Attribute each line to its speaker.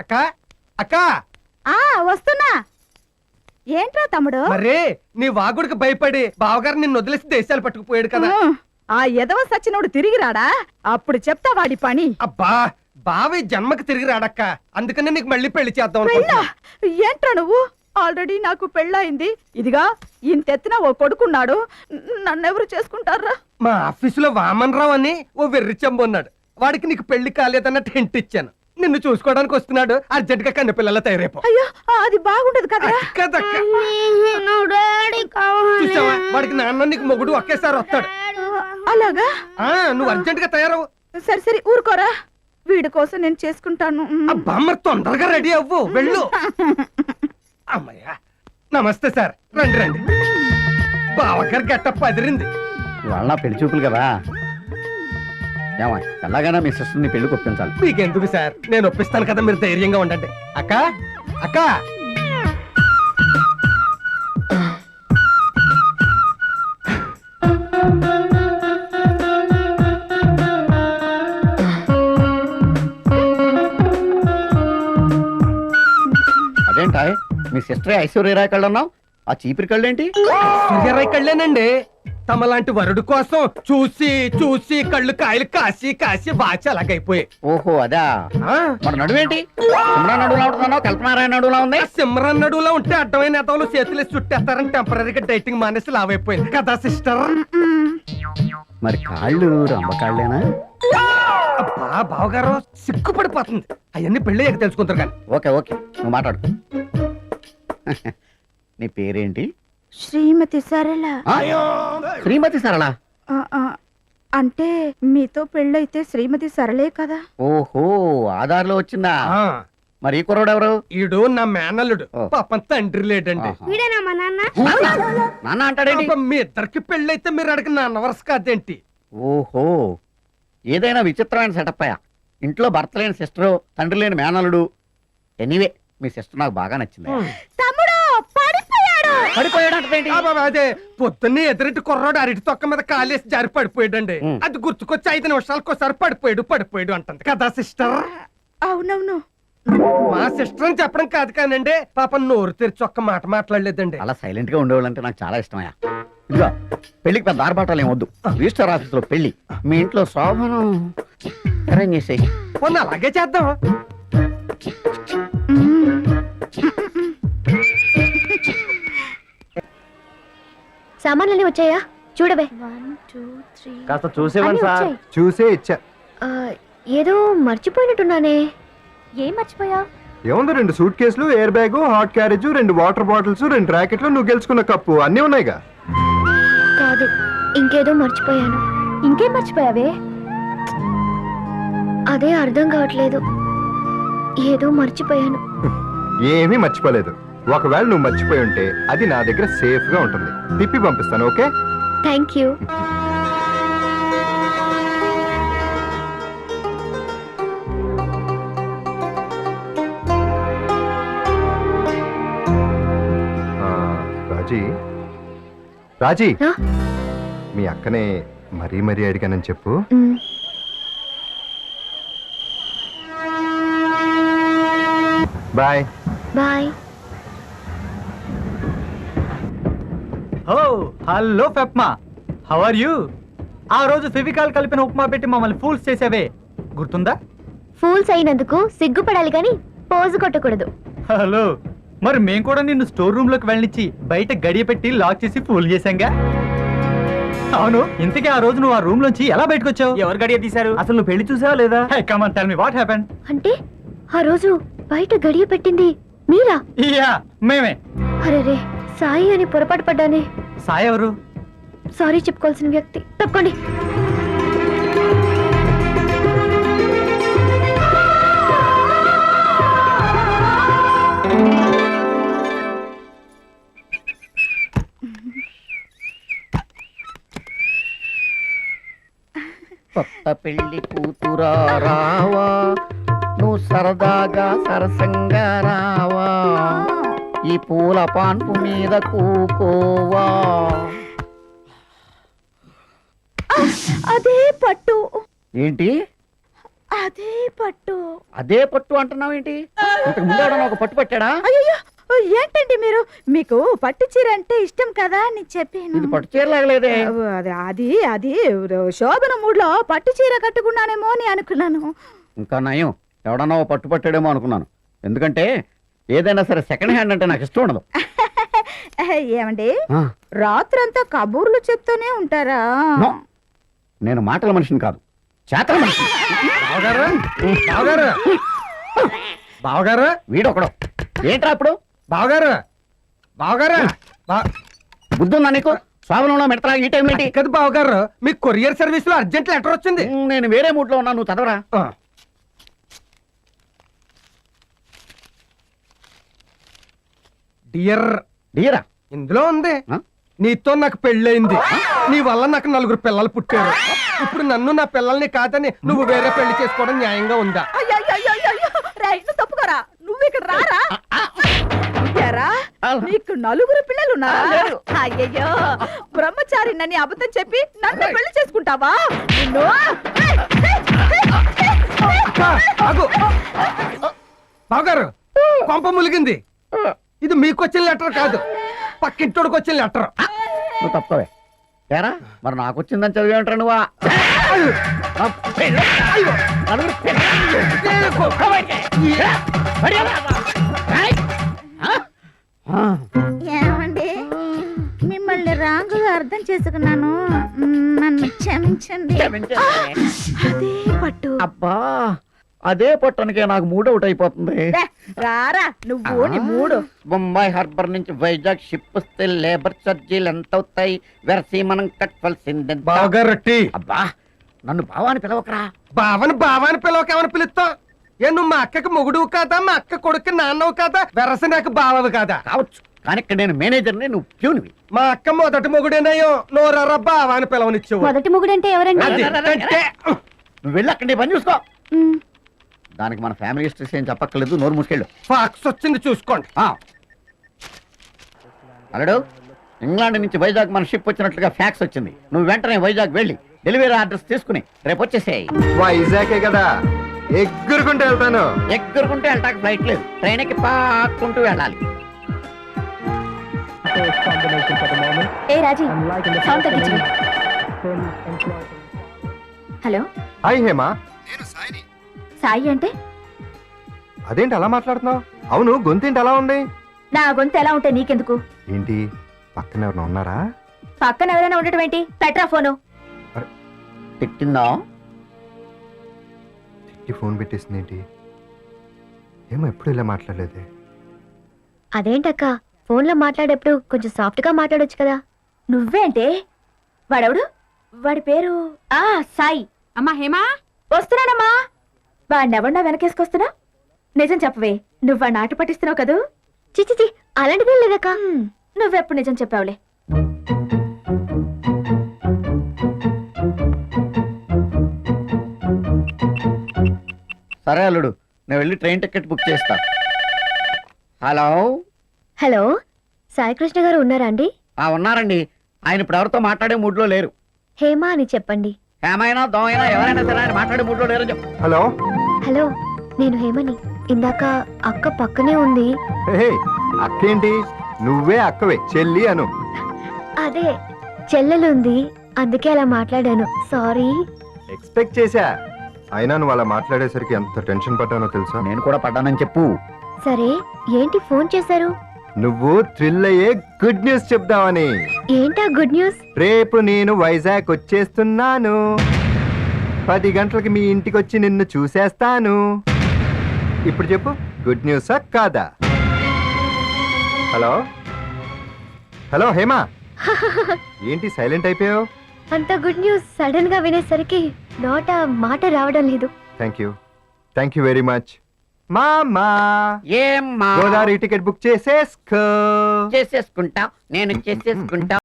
Speaker 1: అక్క అక్క
Speaker 2: వస్తున్నా. ఏంట్రా తమ్ముడు?
Speaker 1: మరే నీ వాగుడికి భయపడి బావగారు నిన్ను వదిలేసి దేశాలు పట్టుకుపోయాడు కదా.
Speaker 2: ఆ ఎదవ సచ్చినోడు తిరిగి రాడా? అప్పుడు చెప్తా వాడి పని.
Speaker 1: అబ్బా బావి జన్మకి తిరిగి రాడక్క, అందుకనే నీకు మళ్ళీ పెళ్లి చేద్దాం
Speaker 2: పెళ్ళా? ఏంట్రా నువ్వు? ఆల్రెడీ నాకు పెళ్ళయింది. ఇదిగా ఇంతెత్తిన ఓ కొడుకున్నాడు. నన్నెవరు చేసుకుంటారా?
Speaker 1: మా ఆఫీసులో వామన్ రావు అని ఓ వెర్రి చెంబు ఉన్నాడు. వాడికి నీకు పెళ్లి కాలేదన్నట్టు హింట్ ఇచ్చాను. నిన్ను చూసుకోవడానికి వస్తున్నాడు. అర్జెంట్ గా కన్న పిల్లల తయారైపో.
Speaker 2: అయ్యో అది బాగుండదు కదా.
Speaker 1: చూసావా, వాడికి నాన్న నీకు మొగుడు ఒకేసారి వస్తాడు.
Speaker 2: అలాగా?
Speaker 1: నువ్వు అర్జెంట్ గా తయారవు.
Speaker 2: సరే సరే ఊరుకోరా, వీడి కోసం నేను చేసుకుంటాను.
Speaker 1: అబ్బా మరి తొందరగా రెడీ అవ్వు, వెళ్ళు. అమ్మయ్యా, నమస్తే సార్, రండి రండి. బావగారు గెట్టప్ అదిరింది.
Speaker 3: ఇవాళ నా పెళ్లి చూపులు కదా, ఏమా ఎలాగైనా మీ సిస్టర్ని పెళ్లికి ఒప్పించాలి.
Speaker 1: మీకెందుకు సార్, నేను ఒప్పిస్తాను కదా, మీరు ధైర్యంగా ఉండండి. అక్క అక్క
Speaker 3: అదేంటా మీ సిస్టర్ ఐశ్వర్యరాయ్ కళ్ళు అన్నావు, ఆ చీపిరి కళ్ళు ఏంటి?
Speaker 1: సూర్యరాయ్ కళ్ళేనండి. తమలాంటి వరుడు కోసం చూసి చూసి కళ్ళు కాయలు కాసి కాసి బాచి అలాగైపోయాయి.
Speaker 3: ఓహో అదా. మరి నడువేంటి సిమ్రాన్ నడువులా ఉంటున్నావు, కల్పనారాయణ నడువులా ఉంది?
Speaker 1: సిమ్రన్ నడువులో ఉంటే అడ్డమైన నేతలు చేతులు చుట్టేస్తారని టెంపరీగా డైటింగ్ మానేసి లావైపోయింది కదా సిస్టర్.
Speaker 3: మరి కాళ్ళు రంబకాళ్ళేనా?
Speaker 1: అబ్బా బావగారు సిగ్గుపడిపోతుంది. అవన్నీ పెళ్ళి తెలుసుకుంటారు కానీ.
Speaker 3: ఓకే ఓకే నువ్వు మాట్లాడు. నీ పేరేంటి?
Speaker 2: శ్రీమతి సరళ.
Speaker 3: శ్రీమతి సరళ
Speaker 2: అంటే మీతో పెళ్ళైతే శ్రీమతి సరళే కదా.
Speaker 3: ఓహో ఆధార్లో వచ్చిందా? మరి ఈ కుర్రోడు ఎవరు?
Speaker 1: ఈడు నా మేనల్లుడు, పాపం తండ్రి లేడండి.
Speaker 3: నాన్న అంటాడేంటి?
Speaker 1: మీ ఇద్దరికి పెళ్ళైతే మీరు అడిగిన నాన్న వరుస కాదేంటి?
Speaker 3: ఓహో ఏదైనా విచిత్రమైన సెటప్ అయ్యా. ఇంట్లో భర్త లేని సిస్టరు, తండ్రి లేని మేనల్లుడు. ఎనీవే మీ సిస్టర్ నాకు బాగా నచ్చింది.
Speaker 2: తమ్ముడు
Speaker 3: పడిపోయాడంటే
Speaker 1: అదే పొద్దున్నే ఎదురింటి కుర్రాడు అరటి తొక్క మీద కాలేసి జారి పడిపోయాడండి. అది గుర్తుకొచ్చి 5 నిమిషాలకు ఒకసారి పడిపోయాడు అంటుంది కదా సిస్టర్.
Speaker 2: అవునవును,
Speaker 1: మా సిస్టర్ అని చెప్పడం కాదు కానండి, పాపం నోరు తెరిచి ఒక్క మాట మాట్లాడలేదండి.
Speaker 3: అలా సైలెంట్ గా ఉండేవాళ్ళంటే నాకు చాలా ఇష్టమయ్యా. ఇదిగో పెళ్లికి పెద్ద ఆర్భాటాలు ఏమొద్దు. రిజిస్టర్ ఆఫీస్ లో పెళ్లి, మీ ఇంట్లో శోభను అరేంజ్ చేసేయి.
Speaker 1: మొన్న అలాగే చేద్దాం.
Speaker 4: సామాన్లన్నీ వచ్చాయా? చూడవే.
Speaker 3: కాస్త చూసేవాడి సార్.
Speaker 5: చూసే ఇచ్చా.
Speaker 4: ఏదో మర్చిపోయినట్టున్నానే. ఏం మర్చిపోయా?
Speaker 5: ఏముంది, 2 సూట్ కేసులు, air bag, hot carriage, 2 water bottles, 2 ర్యాకెట్లు, నువ్వు గెలుచుకున్న కప్పు అన్నీ ఉన్నాయిగా.
Speaker 4: కాదు, ఇంకేదో మర్చిపోయాను. ఇంకేం మర్చిపోయావే? అదే అర్థం కావట్లేదు. ఏదో మర్చిపోయాను.
Speaker 5: ఏమీ మర్చిపోలేదు. ఒకవేళ నువ్వు మర్చిపోయి ఉంటే అది నా దగ్గర సేఫ్ గా ఉంటుంది, తిప్పి పంపిస్తాను. Okay,
Speaker 4: thank you.
Speaker 5: Raji Raji మీ అక్కనే మరీ మరీ అడిగానని చెప్పు. Bye
Speaker 4: bye.
Speaker 6: హలో ఫెప్మా, హౌ ఆర్ యూ? ఆ రోజు ఫెవికాల్ కలిపిన ఉప్మా పెట్టి మమ్మల్ని ఫూల్స్ చేసావే, గుర్తుందా?
Speaker 4: ఫూల్స్ అయినందుకు సిగ్గుపడాలి కానీ పోజు కొట్టకూడదు.
Speaker 6: హలో, మరి మేము కూడా నిన్ను స్టోర్ రూమ్ లోకి వెళ్ళనిచ్చి బయట గడియ పెట్టి లాక్ చేసి ఫూల్ చేశాంగా. అవును, ఇంతకీ ఆ రోజు నువ్వు ఆ రూమ్ లోంచి ఎలా బయటకు వచ్చావు?
Speaker 7: ఎవరు గడియ తీశారు?
Speaker 6: అసలు నువ్వు పెళ్లి చూసావా లేదా? Come on tell me what happened.
Speaker 4: అంటే ఆ రోజు బయట గడియ పెట్టింది మీరా?
Speaker 6: యా మేమే.
Speaker 4: అరే సాయి అని పొరపాటు పడ్డానే.
Speaker 6: సాయి ఎవరు?
Speaker 4: సారీ చెప్పుకోవాల్సిన వ్యక్తి. తప్పకండి.
Speaker 3: కొత్త పెళ్లి కూతురా రావా, నువ్వు సరదాగా సరసంగా రావా, ఈ పూల పాన్పు మీద కూకోవా.
Speaker 2: అదే పట్టు.
Speaker 3: ఏంటి?
Speaker 2: అదే పట్టు.
Speaker 3: అదే పట్టు అంటున్నావు ఏంటి? ఇంతకు ముందు ఎవడన్నా ఒక పట్టు పట్టాడా?
Speaker 2: అయ్యో ఏంటండి మీరు, మీకు పట్టు చీర అంటే ఇష్టం కదా అని చెప్పాను.
Speaker 3: ఇది పట్టు చీరలాగలేదే.
Speaker 2: అది అది శోభన మూడ్లో పట్టు చీర కట్టుకున్నానేమో అని అనుకున్నాను.
Speaker 3: ఇంకా నయం, ఎవడన్నా ఓ పట్టు పట్టాడేమో అనుకున్నాను. ఎందుకంటే ఏదైనా సరే సెకండ్ హ్యాండ్ అంటే నాకు ఇష్టం ఉండదు.
Speaker 2: ఏమండి,
Speaker 3: ఆ,
Speaker 2: రాత్రంతా కబూర్లు చెప్తూనే ఉంటారా?
Speaker 3: నో. నేను మాటల మనిషిని కాదు, చేతల మనిషిని.
Speaker 1: బావగారు బావగారు బావగారు
Speaker 3: వీడొకడు. ఏంట్రా అప్పుడు?
Speaker 1: బావగారు బావగారు
Speaker 3: బుద్ధి ఉందా నీకు? స్వాభనంలో మెడతా ఈ టైం ఏంటి?
Speaker 1: కదా బావగారు, మీకు కొరియర్ సర్వీస్ లో అర్జెంట్ లెటర్ వచ్చింది.
Speaker 3: నేను వేరే మూడ్ లో ఉన్నా, నువ్వు చదవరా.
Speaker 1: డియర్
Speaker 3: డియరా?
Speaker 1: ఇందులో ఉంది,
Speaker 3: ఆ?
Speaker 1: నీతో నాకు పెళ్ళయింది, నీ వల్ల నాకు 4 పిల్లలు పుట్టారు. ఇప్పుడు నన్ను నా పిల్లల్ని కాదని నువ్వు వేరే పెళ్లి చేసుకోవడం న్యాయంగా ఉందా?
Speaker 2: అయ్యయ్యయ్యయ్యయ్యో! రేయ్, నువ్వు తప్పుకోరా, నువ్వు ఇక్కడ రారా. ఎరా, నీకు 4 పిల్లలు ఉన్నారా? అయ్యయ్యో, బ్రహ్మచారి నన్ను అబద్ధం చెప్పి నన్ను పెళ్లి చేసుకుంటావా? నిన్ను
Speaker 1: ఆగు. బావగారు, కొంప ములిగింది. ఇది మీకు వచ్చిన లెటర్ కాదు, పక్కింటోడికి వచ్చిన లెటర్.
Speaker 3: నువ్వు తప్పవే. ఏరా మరి నాకు వచ్చిందని చదివేంటారు నువ్వా?
Speaker 2: ఏమండి, మిమ్మల్ని రాంగుగా అర్థం చేసుకున్నాను, నన్ను క్షమించండి. అదే పట్టు.
Speaker 3: అబ్బా, అదే పట్టణకే నాకు మూడ్ అవుట్ అయిపోతుంది.
Speaker 2: రారా నువ్వు, నీ మూడు.
Speaker 3: బొంబాయి హార్బర్ నుంచి వైజాగ్ షిప్ వస్తే లేబర్ ఛార్జీలు ఎంత అవుతాయి? వెరసి మనం కట్టాల్సిందే.
Speaker 1: బావగారు టీ.
Speaker 3: అబ్బా, నన్ను బావాని పిలవకరా.
Speaker 1: బావని పిలవకేమని పిలుస్తావు? ఏ నువ్వు మా అక్కకి మొగుడు కాదా, మా అక్క కొడుకు నాన్నవు కాదా, వెరస నాకు బావవి కాదా?
Speaker 3: కావచ్చు, కానీ ఇక్కడ నేను మేనేజర్ని, నువ్వు ప్యూనివి.
Speaker 1: మా అక్క మొదటి మొగుడేనయ్యో, నోరరా బావాని పిలవనిచ్చేవు.
Speaker 4: మొదటి మొగుడంటే ఎవరండి?
Speaker 1: అది అంటే
Speaker 3: నువ్వు వెళ్ళి అక్కడ నీ పని చూసుకో. దానికి మన ఫ్యామిలీ హిస్టరీస్ ఏం చెప్పక్కర్లేదు, నోరు మూసుకెళ్ళు.
Speaker 1: ఫాక్స్ వచ్చింది చూసుకోండి.
Speaker 3: అలడు, ఇంగ్లాండ్ నుంచి వైజాగ్ మన షిప్ వచ్చినట్లుగా ఫ్యాక్స్ వచ్చింది. నువ్వు వెంటనే వైజాగ్ వెళ్ళి డెలివరీ అడ్రస్ తీసుకుని రేపు వచ్చేసేయి.
Speaker 5: వైజాగే కదా, ఎగ్గురుకుంటూ వెళ్తాను.
Speaker 3: ఎగ్గురుకుంటే వెళ్ళటానికి ఫ్లైట్ లేదు, ట్రైన్ ఎక్కి పాక్కుంటూ వెళ్ళాలి.
Speaker 4: ఏ రాజీ, సౌండ్ తగ్గించు. Hello,
Speaker 5: hi Hema.
Speaker 4: సాయి అంటే?
Speaker 5: అదేంటి అలా మాట్లాడుతున్నావు? అవును, గొంతేంటి అలా ఉంది?
Speaker 4: నా గొంతు ఎలా ఉంటే నీకెందుకు?
Speaker 5: ఏంటి పక్కన ఎవరైనా ఉన్నారా?
Speaker 4: పక్కన ఎవరైనా ఉండటం ఏంటి? పెట్రా ఫోను.
Speaker 3: తిట్టిందా?
Speaker 5: తిట్టి ఫోన్ పెట్టేసింది ఏంటి? ఏమో ఎప్పుడు ఇలా మాట్లాడలేదే.
Speaker 4: అదేంటక్క, ఫోన్లో మాట్లాడేప్పుడు కొంచెం సాఫ్ట్ గా మాట్లాడొచ్చు కదా. నువ్వేంటే? వాడెవడు? వాడి పేరు సాయి.
Speaker 2: అమ్మా హేమా,
Speaker 4: వస్తున్నానమ్మా. వాడినెవడా వెనకేసుకొస్తున్నా? నిజం చెప్పవే, నువ్వు వాడిని ఆట పట్టిస్తున్నావు కదూ? చిచి, అలాంటిదే లేదక్క. నువ్వెప్పుడు నిజం చెప్పావులే.
Speaker 3: సరే అల్లుడు, నేను వెళ్ళి ట్రైన్ టికెట్ బుక్ చేస్తా. హలో.
Speaker 4: హలో, సాయికృష్ణ గారు ఉన్నారా అండి?
Speaker 3: ఉన్నారండి. ఆయన ఇప్పుడు ఎవరితో మాట్లాడే మూడ్లో లేరు.
Speaker 4: హేమా అని చెప్పండి.
Speaker 3: ఏమైనా దోమైనా ఎవరైనా సరే ఆయన మాట్లాడే మూడ్లో లేరు చెప్పు.
Speaker 5: హలో.
Speaker 4: హలో, నేను హేమని. ఇందాక అక్క పక్కనే ఉంది.
Speaker 5: హే, అక్కేంటి? నువ్వే అక్కవే, చెల్లి అను.
Speaker 4: అదే చెల్లెలుంది, అందుకే అలా మాట్లాడాను. సారీ.
Speaker 5: ఎక్స్పెక్ట్ చేశా. అయినా నువ్వు అలా మాట్లాడేసరికి ఎంత టెన్షన్ పడ్డానో తెలుసా?
Speaker 3: నేను కూడా పడ్డానని చెప్పు.
Speaker 4: సరే, ఏంటి ఫోన్ చేశారు?
Speaker 5: నువ్వు థ్రిల్ అయ్యే గుడ్ న్యూస్ చెప్దామని.
Speaker 4: ఏంటా గుడ్ న్యూస్?
Speaker 5: రేపు నేను వైజాగ్ వచ్చేస్తున్నాను. 10 గంటలకి మీ ఇంటికి వచ్చి నిన్ను చూసేస్తాను. ఇప్పుడు చెప్పు, గుడ్ న్యూసా కాదా? హలో హలో హేమా, ఏంటి సైలెంట్ అయిపోయావు?
Speaker 4: అంత గుడ్ న్యూస్ సడన్ గా వినేసరికి నోట మాట రావడం లేదు.
Speaker 5: Thank you very much. మామా,
Speaker 3: ఏమ్మా
Speaker 5: గోదావరి టికెట్ బుక్ చేసేసుకో.
Speaker 3: చేసేసుకుంటా, నేను చేసేసుకుంటా.